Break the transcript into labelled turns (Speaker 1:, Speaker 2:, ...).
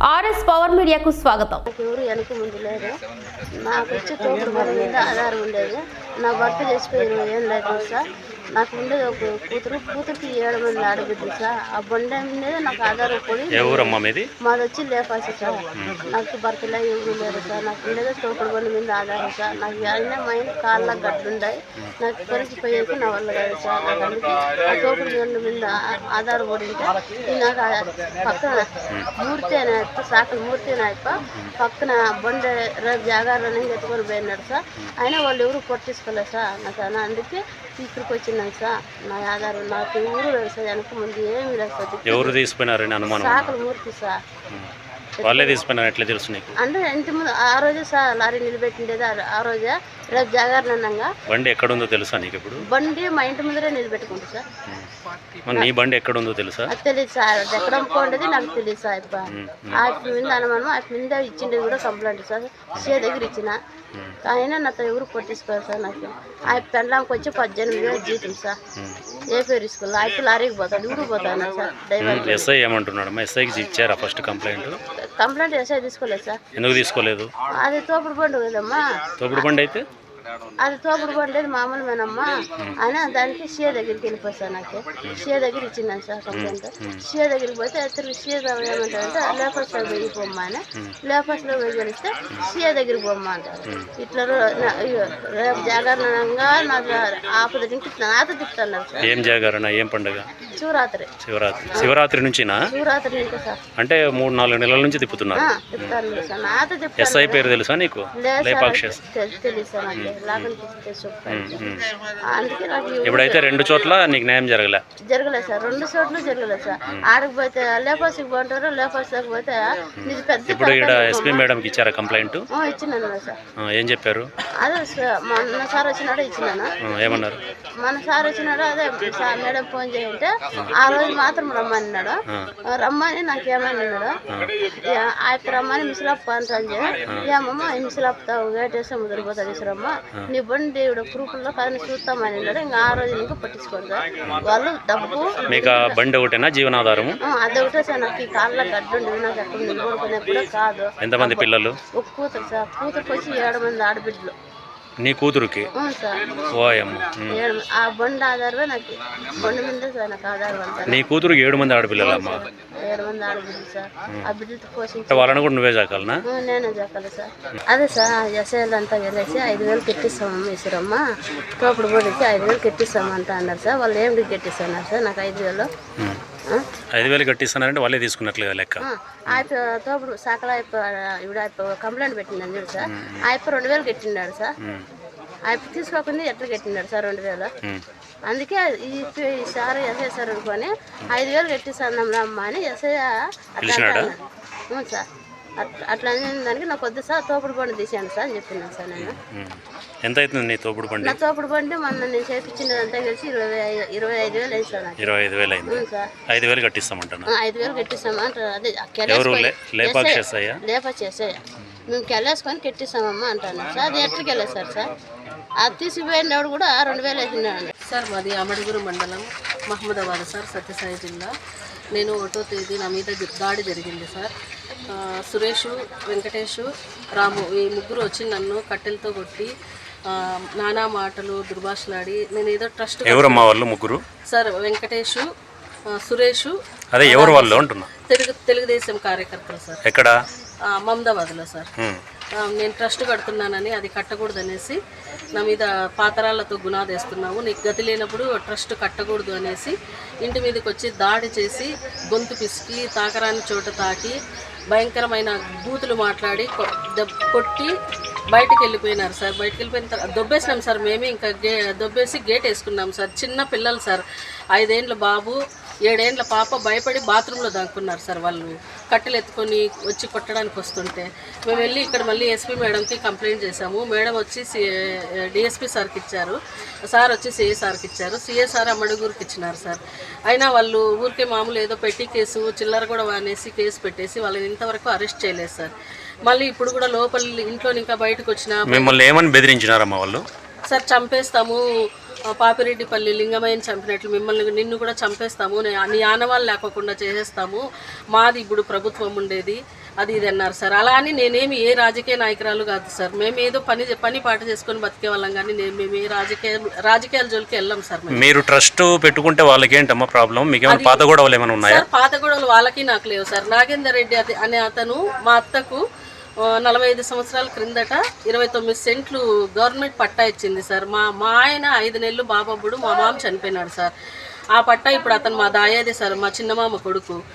Speaker 1: RS power మీడియాకు స్వాగతం.
Speaker 2: ఎవరు వెనక ముందు లేరు. నాకు వచ్చి తోపుడు బండి మీద ఆధారం ఉండేది. నా భర్త చచ్చిపోయి 20 ఏళ్ళు అవుతుంది సార్. నాకు ఉండేది ఒక కూతురికి 7 మంది ఆడబిడ్డలు సార్. ఆ బండి మీద నాకు ఆధారం పడి మాది వచ్చి లేపాసి సార్. నాకు భర్తలో ఎవరు లేరు సార్. నాకు ఉండేది తోపుడు బండి మీద ఆధారం సార్. నాకు అయినా మైన కాళ్ళ గడ్డుండాయి. నాకు ఇక్కడికి పోయేది నా వల్ల కాదు సార్. నాకు అందుకే ఆ తోపుడు బండి మీద ఆధారపడి ఉంటే నాకు పక్కన మూర్తి అనే సాకలు మూర్తి నాయప్ప పక్కన బండి రేపు జాగారాన్ని ఎత్తుకొని పోయినాడు సార్. అయినా వాళ్ళు ఎవరు పట్టించుకోలేదు సార్. నాకు అందుకే ఇక్కడికి వచ్చినాను సార్. నా ఆధారం నాకు ఎవరు లేదు సార్. వెనక ముందు ఏమి లేదు సార్.
Speaker 3: ఎవరు తీసుకున్నారని అనుమానం?
Speaker 2: సాకలు మూర్తి సార్.
Speaker 3: వాళ్ళే తీసుకున్నారు. ఎట్లా తెలుసు నీకు?
Speaker 2: అంటే ఇంటి ముందు ఆ రోజే సార్ లారీ నిలబెట్టిండేది. ఆ రోజే రేపు జాగారనంగా.
Speaker 3: బండి ఎక్కడుందో తెలుసా నీకు? ఇప్పుడు
Speaker 2: బండి మా ఇంటి ముందరే నిలబెట్టుకుంటా సార్.
Speaker 3: నీ బండి ఎక్కడుందో తెలుసా?
Speaker 2: తెలియదు సార్. ఎక్కడ పోండేది నాకు తెలియదు సార్. ఆ మీద అనుమానం ఆ మీద ఇచ్చిండేది కూడా కంప్లైంట్ సార్. సే దగ్గర ఇచ్చిన అయినా నాతో ఎవరు పట్టించుకోరు సార్. నాకు ఆ పెండ్లాంకి వచ్చి 18,000 జీతం సార్. ఏ పేరు ఇసుకోవాలి. ఆ లారీకి పోతాడు ఊరు పోతాను సార్. డ్రైవర్
Speaker 3: ఎస్ఐ ఏమంటున్నాడు? ఎస్ఐకి ఇచ్చారా ఫస్ట్ కంప్లైంట్?
Speaker 2: కంప్లైంట్ ఎస్ఐ తీసుకోలేదు సార్.
Speaker 3: ఎందుకు తీసుకోలేదు?
Speaker 2: అది తోపుడు బండి కదమ్మా.
Speaker 3: తోపుడు బండి అయితే
Speaker 2: అది తోపుడు బండి మామూలుమేనమ్మా. అయినా దానికి సీఏ దగ్గరికి వెళ్ళిపోయి సార్. నాకు సీఏ దగ్గర ఇచ్చినాను సార్ కంప్లైంట్. సీఏ దగ్గరికి పోతే తిరిగి సీఏ ఏమంటారంటే లేపర్స్లో పోయి పోమ్మా అని. లేపర్స్లో పోయి గెలిస్తే సీఏ దగ్గరికి పోమ్మా అంటారు. ఇట్లా రేపు జాగరణంగా నాకు ఆపద నాతో తిప్పుతున్నారు సార్.
Speaker 3: ఏం జాగరణ? ఏం పండుగ?
Speaker 2: శివరాత్రి.
Speaker 3: శివరాత్రి నుంచినా?
Speaker 2: శివరాత్రి నుంచి సార్.
Speaker 3: అంటే 3-4 నెలల నుంచి తిప్పుతున్నారు.
Speaker 2: తిప్పుతారు సార్. నాతో తిప్పుతారు.
Speaker 3: ఎస్ఐ పేరు తెలుసా నీకు?
Speaker 2: తెలియదు సార్. నాకు అందుకే నాకు
Speaker 3: ఇప్పుడైతే 2 చోట్ల నీకు న్యాయం జరగలేదు
Speaker 2: సార్. 2 చోట్ల జరగలేదు సార్. ఆడికి పోతే లేపాసికి పోంటారు. లేపాసికి పోతే పెద్ద.
Speaker 3: ఇప్పుడు ఇక్కడ ఎస్పీ మేడంకి ఇచ్చారా కంప్లైంట్?
Speaker 2: ఇచ్చినాను సార్.
Speaker 3: ఏం చెప్పారు?
Speaker 2: అదే మన సార్ వచ్చినాడు ఇచ్చినాను.
Speaker 3: ఏమన్నారు?
Speaker 2: మన సార్ వచ్చినాడు. అదే సార్ మేడం ఫోన్ చేయంటే ఆ రోజు మాత్రం రమ్మన్నాడు. రమ్మని నాకు ఏమన్నాడు ఆయన రమ్మని మిసిలప్ప అంటాను. ఏమమ్మా మిసిలప్పుతావు వేటేస్తే ముదిరిపోతాడు ఇసురమ్మ నీ బండి ప్రూఫ్లో కానీ చూస్తామని ఇంకా ఆ రోజు ఇంకా పట్టించుకోండి వాళ్ళు డబ్బు.
Speaker 3: మీకు బండి ఒకటేనా జీవనాధారము?
Speaker 2: అదొకటే సార్. నాకు ఈ కాళ్ళ గడ్డుండి నాకు ఎక్కడ నిలబడుకునే కూడా కాదు.
Speaker 3: ఎంతమంది పిల్లలు?
Speaker 2: ఒక కూతురు సార్. కూతురుకి వచ్చి 7 మంది ఆడబిడ్డలు.
Speaker 3: నీ కూతురుకి?
Speaker 2: సార్. ఆ బండి ఆధారమే నాకు బండి మీద సార్. నాకు ఆధారం అంటారు.
Speaker 3: నీ కూతురుకి 7 మంది ఆడపిల్లలమ్మా?
Speaker 2: 7 మంది ఆడబిడ్డలు సార్. ఆ బిడ్డలతో పోషించి
Speaker 3: వాళ్ళని కూడా నువ్వే చాకాలనా?
Speaker 2: నేనే చాకాలి సార్. అదే సార్ ఎస్ఐలు అంతా వెళ్ళేసి 5,000 కెట్టిస్తామమ్మ ఈశ్వరమ్మ తోపుడు బడికి 5,000 కెట్టిస్తామంట అన్నారు సార్. వాళ్ళు ఏమిటి కెట్టిస్తున్నారు సార్? నాకు 5,000
Speaker 3: కట్టిస్తున్నారంటే వాళ్ళే తీసుకున్నట్లుగా లెక్క.
Speaker 2: తోపుడు సాకల ఇప్పుడు కంప్లైంట్ పెట్టిందని చూడు సార్. ఆయప్ప 2,000 కట్టినాడు సార్. ఆయప్ప తీసుకోకుండా ఎట్లా కట్టినాడు సార్ 2,000. అందుకే ఈ సార్ ఎస్ఐ సార్ అనుకొని 5,000 కట్టిస్తాను అమ్మ అని ఎస్ఐ అట్లా సార్. అట్లా దానికి నాకు వద్దు సార్ తోపుడు బండి తీసాను సార్ అని చెప్పినాను సార్. నేను
Speaker 3: ఎంత అవుతుంది నీ తోపుడు బండి?
Speaker 2: నా తోపుడు బండి మొన్న నేను చేయించిందంతా కలిసి 25,000 అయింది సార్.
Speaker 3: 25,000 అయింది సార్. 5,000 కట్టిస్తామంటాను.
Speaker 2: 5,000 కట్టిస్తామంటారు. అదే లేపా చేసాయి మేము కెళ్ళేసుకొని కట్టిస్తామమ్మా అంటాను సార్. అది ఎట్లకి వెళ్ళేది సార్. అది తీసుకుపోయినప్పుడు కూడా 2,000 వేసినాడు
Speaker 4: సార్. మాది అమడుగురు మండలం మహమ్మదాబాద్ సార్, సత్యసాయి జిల్లా. నేను 1వ తేదీ నా మీద దాడి జరిగింది సార్. సురేష్, వెంకటేష్, రాము ఈ ముగ్గురు వచ్చి నన్ను కట్టెలతో కొట్టి నానా మాటలు దుర్భాషలాడి నేను ఏదో ట్రస్ట్.
Speaker 3: ఎవరమ్మా వాళ్ళు ముగ్గురు?
Speaker 4: సార్ వెంకటేష్, సురేష్.
Speaker 3: అదే ఎవరు వాళ్ళు అంటున్నా?
Speaker 4: తెలుగుదేశం కార్యకర్తలు సార్.
Speaker 3: ఎక్కడ?
Speaker 4: మహమ్మదాబాద్లో సార్. నేను ట్రస్ట్ కడుతున్నానని అది కట్టకూడదు నా మీద పాతరాళ్లతో గునాదేస్తున్నావు, నీకు గతి లేనప్పుడు ట్రస్ట్ కట్టకూడదు అనేసి ఇంటి మీదకి వచ్చి దాడి చేసి గొంతు పిసికి తాకరాని చోట తాకి భయంకరమైన బూతులు మాట్లాడి కొట్టి బయటకు వెళ్ళిపోయినారు సార్. బయటకు వెళ్ళిపోయిన తర్వాత దొబ్బేసినాం సార్. మేమే ఇంకా దొబ్బేసి గేట్ వేసుకున్నాం సార్. చిన్న పిల్లలు సార్. 5 ఏండ్ల బాబు, 7 ఏండ్ల పాప భయపడి బాత్రూంలో దాక్కున్నారు సార్. వాళ్ళు కట్టెలు ఎత్తుకొని వచ్చి కొట్టడానికి వస్తుంటే మేము వెళ్ళి ఇక్కడ మళ్ళీ ఎస్పీ మేడంకి కంప్లైంట్ చేశాము. మేడం వచ్చి డిఎస్పీ సార్కి ఇచ్చారు. సార్ వచ్చి సిఏ సార్కి ఇచ్చారు. సిఏ సార్ అమ్మడుగురికి ఇచ్చినారు సార్. అయినా వాళ్ళు ఊరికే మామూలు ఏదో పెట్టి కేసు చిల్లర కూడా అనేసి కేసు పెట్టేసి వాళ్ళని ఇంతవరకు అరెస్ట్ చేయలేదు సార్. మళ్ళీ ఇప్పుడు కూడా లోపల ఇంట్లో ఇంకా బయటకు వచ్చిన
Speaker 3: మిమ్మల్ని ఏమని బెదిరించినారమ్మా వాళ్ళు?
Speaker 4: సార్ చంపేస్తాము, పాపిరెడ్డిపల్లి లింగమయ్యని చంపినట్లు నిన్ను కూడా చంపేస్తాము, నీ ఆనవాళ్ళు లేకోకుండా చేసేస్తాము, మాది ఇప్పుడు ప్రభుత్వం ఉండేది, అది ఇది అన్నారు సార్. అలా అని నేనేమి ఏ రాజకీయ నాయకురాలు కాదు సార్. మేము ఏదో పని పాట చేసుకొని బతికే వాళ్ళం కానీ మేము ఏ రాజకీయాల జోలికి వెళ్ళాం సార్.
Speaker 3: మీరు ట్రస్ట్ పెట్టుకుంటే వాళ్ళకి ఏంటమ్మా ప్రాబ్లం? మీకు ఏమైనా పాత గొడవలు ఏమైనా ఉన్నాయా?
Speaker 4: సార్ పాత గొడవలు వాళ్ళకి నాకు లేవు సార్. నాగేందర్ రెడ్డి అనే అతను మా అత్తకు 45 సంవత్సరాల క్రిందట 29 సెంట్లు గవర్నమెంట్ పట్టా ఇచ్చింది సార్. మా ఆయన 5 నెలలు బాబబ్బుడు, మా మామ చనిపోయినాడు సార్. ఆ పట్టా ఇప్పుడు అతను మా దాయాదే సార్, మా చిన్నమామ కొడుకు.